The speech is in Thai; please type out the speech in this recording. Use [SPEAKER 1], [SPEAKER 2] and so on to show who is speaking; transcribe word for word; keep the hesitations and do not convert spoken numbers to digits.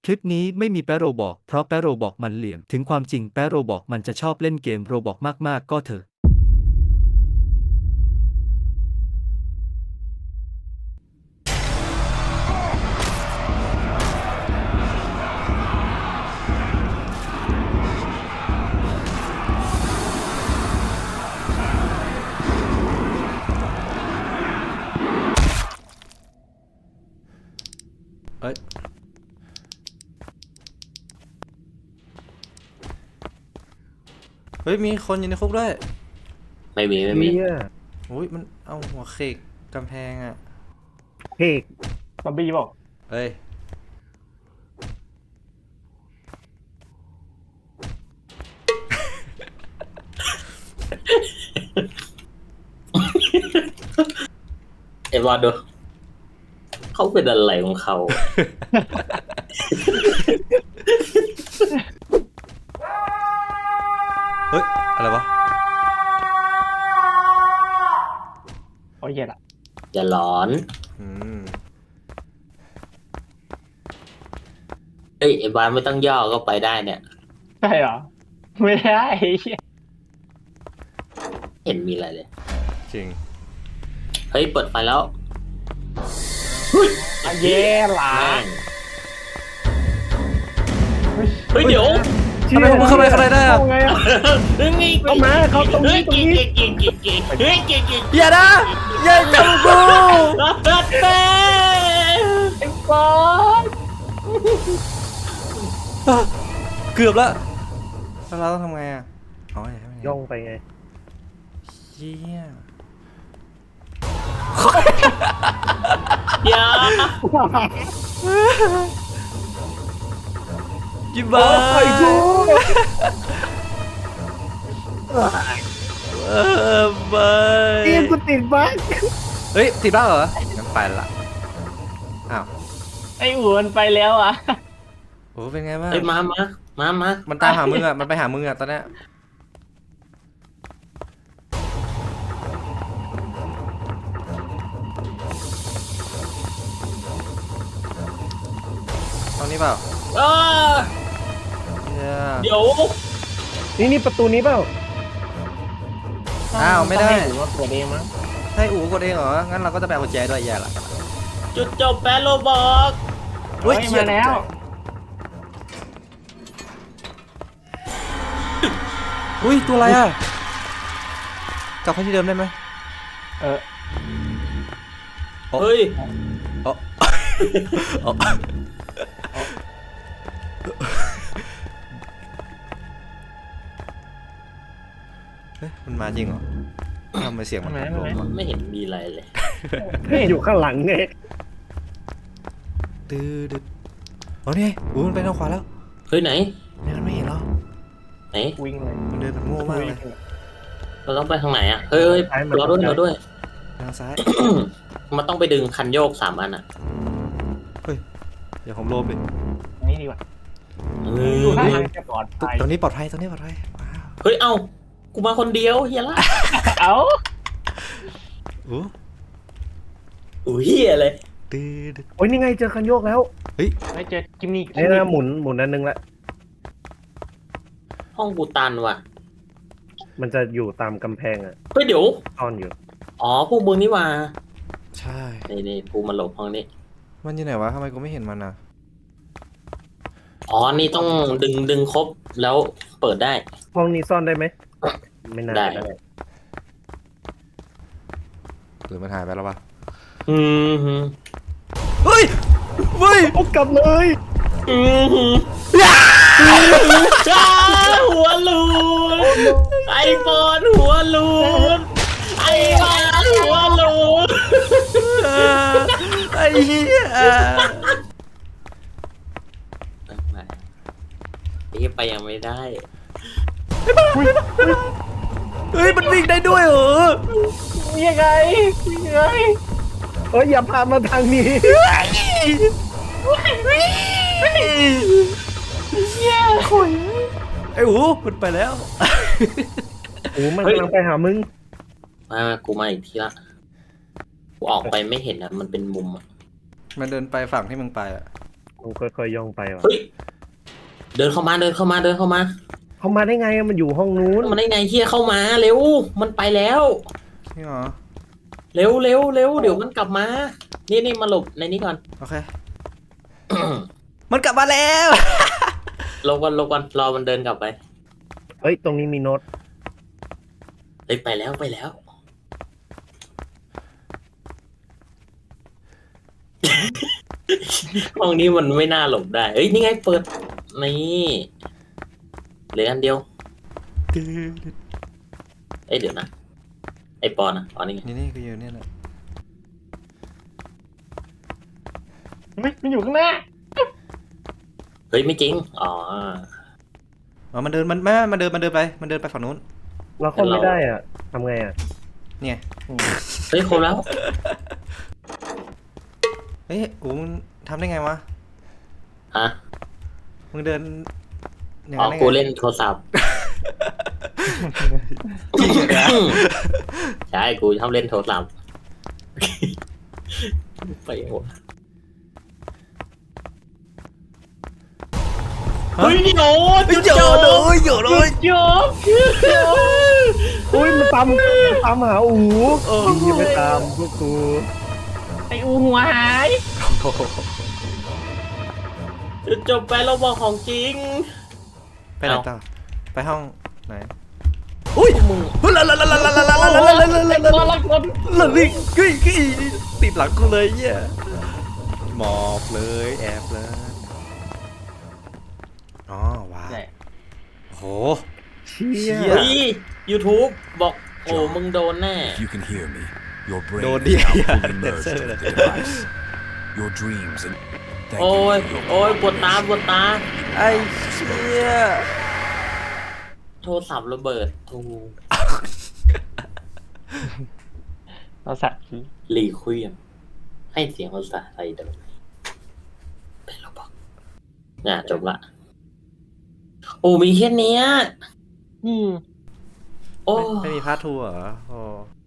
[SPEAKER 1] ลิปนี้ไม่มีแปะโรบอกเพราะแปะโรบอกมันเหลี่ยมถึงความจริงแปะโรบอกมันจะชอบเล่นเกมโรบอกมากๆก็เถอะ
[SPEAKER 2] เอ้ยเฮ้ยมีคนอยู่ในคุกด้วย
[SPEAKER 3] ไม่มีไม่มี
[SPEAKER 4] เฮีย
[SPEAKER 2] อุ้ยมันเอาหัวเขกกำแพงอ่ะ
[SPEAKER 4] เพกซอมบี้บอก
[SPEAKER 2] เอ้ย
[SPEAKER 3] เอวาโดเขาเป็นอะไรของเขา
[SPEAKER 2] เฮ้ยอะไรวะ
[SPEAKER 4] โอ้ยเหี้ยละ
[SPEAKER 3] อย่าหลอน
[SPEAKER 2] อืม
[SPEAKER 3] เฮ้ยเอวาไม่ต้องย่อก็ไปได้เนี่ย
[SPEAKER 4] ใช่เหรอไม่ได้เหี้ย
[SPEAKER 3] เห็นมีอะไรเลย
[SPEAKER 2] จริง
[SPEAKER 3] เฮ้ยเปิดไฟแล้ว
[SPEAKER 4] อ่ะเย่หลา
[SPEAKER 3] แม่งเฮ้ยเดี๋ยว
[SPEAKER 2] ทำไมผมเข้าไปข้างในได้อะ
[SPEAKER 4] เข้าไงอ่ะ
[SPEAKER 3] เฮ้ย
[SPEAKER 4] เข้ามาเข้าตรงนี้ตรงนี้
[SPEAKER 3] เก่งเก่งเก่งเก่งเฮ้ยเก่งเก่ง
[SPEAKER 2] อย่านะอย่าจับกู
[SPEAKER 3] รัดเต้
[SPEAKER 4] ไอ้บอส
[SPEAKER 2] เกือบแล้วแล้วเราต้องทำไงอ่ะอ๋ออย่าให้มันเห็น
[SPEAKER 4] ย่องไปไง
[SPEAKER 2] เหี้ย
[SPEAKER 3] เดี๋ยว
[SPEAKER 2] ยิบ้า
[SPEAKER 4] โอ้ยกู
[SPEAKER 2] เออไป
[SPEAKER 4] เตียงกูติดบั๊ก
[SPEAKER 2] เฮ้ยติดบ้าเหรองั้นไปละอ้าว
[SPEAKER 4] ไอ้อู๋มันไปแล้วอ่ะ
[SPEAKER 2] โอ้เป็นไงบ้าง
[SPEAKER 3] เฮ้ยมามามามา
[SPEAKER 2] มันตามหามึงอ่ะมันไปหามึงอ่ะตอนเนี้ยตรงนี้เปล่า
[SPEAKER 3] เออ
[SPEAKER 2] เหี้ย
[SPEAKER 3] เดี๋ยว
[SPEAKER 4] นี่นี่ประตูนี้เปล่า
[SPEAKER 2] อ้าวไม่ได้
[SPEAKER 4] ต้องให้อู๋มาเปิดเองมั้ง
[SPEAKER 2] ให้อู๋กดเองเหรอ งั้นเราก็จะแปลกุญแจด้วยแย่ละ
[SPEAKER 3] จุดจบแปะโรบอก
[SPEAKER 4] เฮ้ยมาแล้ว
[SPEAKER 2] อุ้ยตัวอะไรอ่ะ กลับไปที่เดิมได้ไหม
[SPEAKER 4] เออ
[SPEAKER 3] เฮ้ย
[SPEAKER 2] อ๋ออ๋อเฮ้ยมันมาจริงเหรอทำไมเสียงมัน
[SPEAKER 4] ทำไม
[SPEAKER 2] โด
[SPEAKER 4] ทำไม
[SPEAKER 2] นวะ
[SPEAKER 3] ไม่เห็นมีอะไรเลย
[SPEAKER 4] นี่อยู่ข้างหลังไง
[SPEAKER 2] ตื้อดึ๊ดอ๋อนี่ไงอู๋มันไปทางขวาแล้ว
[SPEAKER 3] เฮ้ยไหน
[SPEAKER 2] เนี่ยมันไม่เห็นหรอ
[SPEAKER 3] ไหน
[SPEAKER 4] วิ่งเลย
[SPEAKER 2] มันเดินแบบโง่มากเลย
[SPEAKER 3] เราต้องไปทางไหนอ่ะ เฮ้ยเฮ้ย
[SPEAKER 4] ซ้ายมัน
[SPEAKER 3] รอด้วยรอด้วย
[SPEAKER 2] ทางซ้าย
[SPEAKER 3] มันต้องไปดึงคันโยกสามอันอ่ะ
[SPEAKER 2] เดี๋ยวผมโลบดิ
[SPEAKER 4] นี่ดีกว่า
[SPEAKER 3] เฮ้
[SPEAKER 4] ดูท่าทาง
[SPEAKER 3] ย
[SPEAKER 4] จะปลอดภัย
[SPEAKER 2] ตรงนี้ปลอดภัยตรงนี้ปลอดภัยว้าว
[SPEAKER 3] เฮ้ย เอ้า กูมาคนเดียวเฮียละ
[SPEAKER 4] เอ้า
[SPEAKER 2] อู้
[SPEAKER 3] อุ้ยเฮียเลย
[SPEAKER 2] ตื้อดึ๊ด
[SPEAKER 4] โอ้ยนี่ไงเจอคันโยกแล้ว
[SPEAKER 5] ไม่เจอกิมมี่
[SPEAKER 4] ไอ้น่าหมุนหมุนอันนึงละ
[SPEAKER 3] ห้องกูตันว่ะ
[SPEAKER 4] มันจะอยู่ตามกำแพงอ่ะ
[SPEAKER 3] เฮ้ยเดี๋ยว
[SPEAKER 4] ซ่อนอยู่
[SPEAKER 3] อ๋อ พวกมึงนี่ว่า
[SPEAKER 2] ใช่
[SPEAKER 3] นี่นี่กูมาหลบห้องนี้
[SPEAKER 2] มันอยู่ไหนวะทำไมกูไม่เห็นมันอ่ะ
[SPEAKER 3] อ๋อ นี่ต้องดึงดึงครบแล้วเปิดได้
[SPEAKER 4] ห้องนี้ซ่อนได้ไหมไม่น่า
[SPEAKER 3] ได้
[SPEAKER 4] จะได้
[SPEAKER 2] หรือมันหายไปแล้ววะ
[SPEAKER 3] อืมฮึ
[SPEAKER 2] เฮ้ยเฮ้ย
[SPEAKER 4] โอ้กลับเลย
[SPEAKER 3] อืมฮึจ้าหัวลูนไอโฟนหัวลูนไอวานหัวลูน
[SPEAKER 2] ไอ้เหี้ย
[SPEAKER 3] นี่ไปยังไม่ได้
[SPEAKER 2] เฮ้ยมันวิ่งได้ด้วยเหรอ
[SPEAKER 4] ยังไงยังไงเอ้ยอย่าพามาทางนี้
[SPEAKER 2] ไอ้หูมันไปแล้ว
[SPEAKER 4] โอ้มันกำลังไปหามึง
[SPEAKER 3] มากูมาอีกทีละ กูออกไปไม่เห็นอ่ะ มันเป็นมุมอ่ะ
[SPEAKER 2] มันเดินไปฝั่งที่มึงไปอ่ะ
[SPEAKER 4] ต้องค่อยๆย่องไปว่ะ
[SPEAKER 3] เฮ้ยเดินเข้ามาเดินเข้ามาเดินเข้ามา
[SPEAKER 4] เขามาได้ไงอะมันอยู่ห้องนู้น
[SPEAKER 3] มันได้ไงเฮียเข้ามาเร็วมันไปแล้ว
[SPEAKER 2] นี่เหรอ
[SPEAKER 3] เร็วเร็วเร็วเดี๋ยวมันกลับมา นี่นี่มาหลบในนี้ก่อน
[SPEAKER 2] โอเค มันกลับมาแล้ว
[SPEAKER 3] ลงก่อนลงก่อนรอมันเดินกลับไป
[SPEAKER 4] เอ้ยตรงนี้มีโน้ต
[SPEAKER 3] เฮ้ยไปแล้วไปแล้ว ห้องนี้มันไม่น่าหลบได้เอ้ยนี่ไงเปิดนี่เหลืออันเดียวเอ้ยเดี๋ยวนะไอปอนอ่ะปอนนี่ไง
[SPEAKER 2] นี่นี่ก็อยู่เนี่ยแหละ
[SPEAKER 4] ไม่มันอยู่ข้างหน้า
[SPEAKER 3] เฮ้ยไม่จริงอ๋อ
[SPEAKER 2] อ๋อมันเดินมันไม่มันเดินมันเดินไปมันเดินไปฝั่งนู้น
[SPEAKER 4] เราเข้าไม่ได้อ่ะทำไงอ่ะ
[SPEAKER 2] เนี่ย
[SPEAKER 3] เฮ้ยครบแล้ว
[SPEAKER 2] เฮ้ยกูมึงทำได้ไงวะ
[SPEAKER 3] ฮะ
[SPEAKER 2] มึงเดินอย่าง
[SPEAKER 3] อ๋อ
[SPEAKER 2] นั้นได้
[SPEAKER 3] กู
[SPEAKER 2] ไง
[SPEAKER 3] เล่นโทรศัพท์ใช่กูชอบเล่นโทรศัพท์ไปหมดเฮ้ยโยน
[SPEAKER 2] เฮ้ยโยนเลยโยนเลย
[SPEAKER 3] โยน
[SPEAKER 4] อุ้ยมันตามตามหาอูดีอย่าไปตามพวกกู
[SPEAKER 3] ไออูหัวหายจุดจบไปเราบอกของจริง
[SPEAKER 2] ไปไหนต่อไปห้องไหน
[SPEAKER 3] อุ้ยมึง
[SPEAKER 2] เฮ้ยละละละละละละละละละละละละละละละละลิงกี้กี้ติดหลังกูเลยเหี้ยหมอบเลยแอบเลยอ๋อว้าวโห
[SPEAKER 4] เชี่ย
[SPEAKER 2] เชี่ย
[SPEAKER 3] เฮ้ย YouTube บอกโอ้มึงโดนแน่
[SPEAKER 5] If you can hear me, your brain
[SPEAKER 2] Don't
[SPEAKER 5] is now
[SPEAKER 2] hear.
[SPEAKER 5] fully merged
[SPEAKER 2] That's
[SPEAKER 5] with
[SPEAKER 2] it.
[SPEAKER 5] the device. Your dreams and thank
[SPEAKER 3] โอ้ย
[SPEAKER 5] you for your
[SPEAKER 3] โอ้ยปวดตาปวดตา
[SPEAKER 2] ไอ้เชี่ย
[SPEAKER 3] โทรศัพท์ระเบิดทู
[SPEAKER 4] เราสัตว์
[SPEAKER 3] หลีคุยมให้เสียงภาษาไทยเดิมเป็นเราบอกน่ะจบละ โอ้มีแค่เนี้ย
[SPEAKER 4] อืม
[SPEAKER 3] โอ้
[SPEAKER 2] ไม่มีพาร์ททูเหรอโอ้